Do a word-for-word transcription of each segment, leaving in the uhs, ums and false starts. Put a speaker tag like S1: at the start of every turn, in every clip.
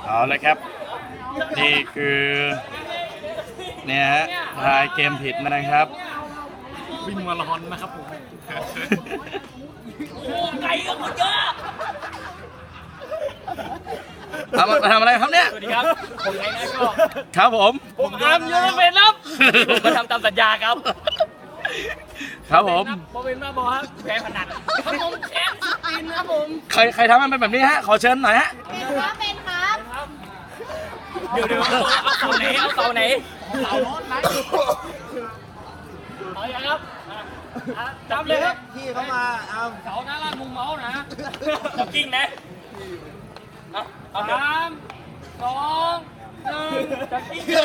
S1: เอาเลยครับนี่คือเนี่ยฮะทายเกมผิดนะครับ
S2: วิ่งมาราธอนนะครับผม
S3: โอ้ไก่ก็คนเยอะ
S1: เอามาทำอะไรครับเนี่ย
S3: สวัสดีครับผมไก่นะก็
S1: ครับผม
S3: ผมอาร์มยูเวนครับผมมาทำตามสัญญาครับ
S1: ครับผม
S3: ผมเป็นมาบอกครับแพ้พนันครับผมแพ้สปินครับผม
S1: ใครใครทำมันเป็นแบบนี้ฮะขอเชิญหน่อยฮะ
S4: เป็นครับเป็นครับ
S3: เดี๋ยวเดี๋ยวเอาเสาไหนเอาเสาไหนเสาโน้นไหนเอาอย่างครับจำเลยครับ
S2: พี่เขามาเอา
S3: เสาหน้าล่างมุมเมาส์นะจ็อกกิ้งนะเอาสามสองหนึ่งจ็อกกิ้งหน้า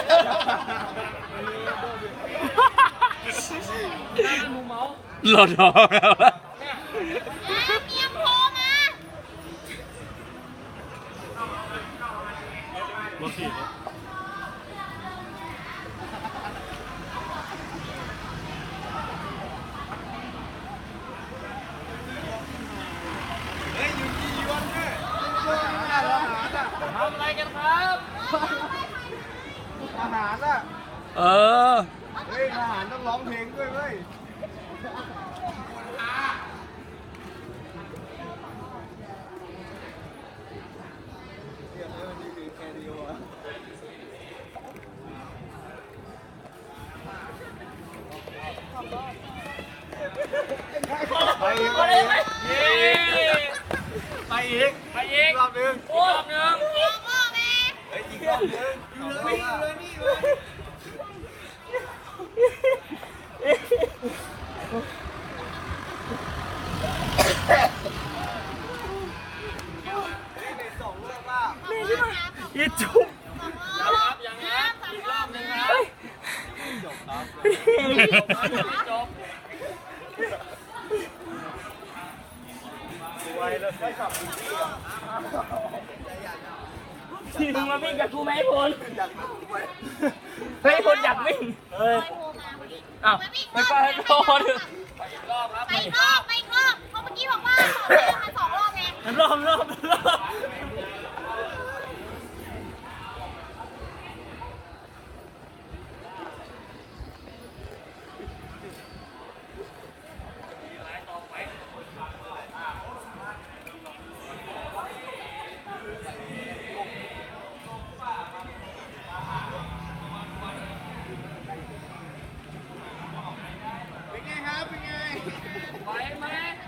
S3: ล่างมุมเมาส์
S1: หล่นท้องแล้ว
S4: อ่ะเมียโทรมา
S2: รถสี่รถ
S3: ทำอะไรกันครับ
S2: อาหารอ่ะ
S1: เออ
S2: เฮ้ยอาหารต้องร้องเพลงด้วยเว้ยไปอีก
S3: ไป
S2: ไป
S3: เลย
S2: ไป
S3: ไหม
S2: อีก
S3: ไปอีก
S2: รอบนึง
S3: โอ้รอบหนึ่ง
S4: พ่อพ่อแม่
S2: เฮ้ยอีกรอบนึงวิ่งเลยนี่เลย
S1: อีจุ๊บ
S3: ครับยังครับอีกรอบหนึ่งครับจบ
S2: ไวแล้วใช่ขับ
S3: ที่มึงมาวิ่งกับกูไหมพลเฮ้ยพลอยากวิ่งเฮ้ย
S4: โทรมาพอดี
S3: อ้าว
S4: ไปวิ่ง
S3: ไม่ก็ให้โทษไปอีกรอบครับ
S4: ไปอีกรอบไปอีกรอบเพราะเมื่อกี้บอกว่าสองเดือนมาสองรอบไง
S3: รอบรอบรอบ
S2: เป็นไงครับเป็นไง
S3: ไปไหม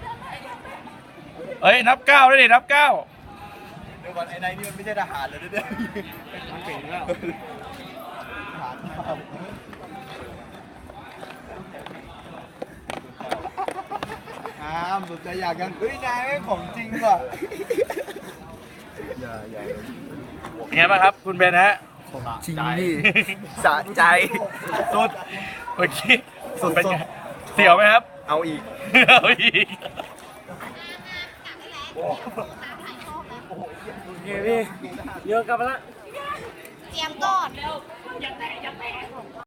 S1: เอ้ยนับเก้าด้วยดินับเก้า
S2: เดี๋ยวก่อนไอ้นายนี่มันไม่ใช่ทหารเลยเนี่ยมันเก่งแล้วทหารอ้ามสนใจอยากกันเฮ้ยนายไม่ของจริงว่ะอย่าอย่า
S1: เป็นไงบ้างครับคุณเบนฮะ
S2: จริงนี่สะใจสุด
S1: เมื่อกี้
S2: สุด
S1: เป็นไงเสียวไหมครับ
S2: เอาอีก
S1: เอาอีก
S3: โอเคพี่เยอะกลับมาละ
S4: เตรียมก่อน
S3: อย่าแตะอย่าแตะ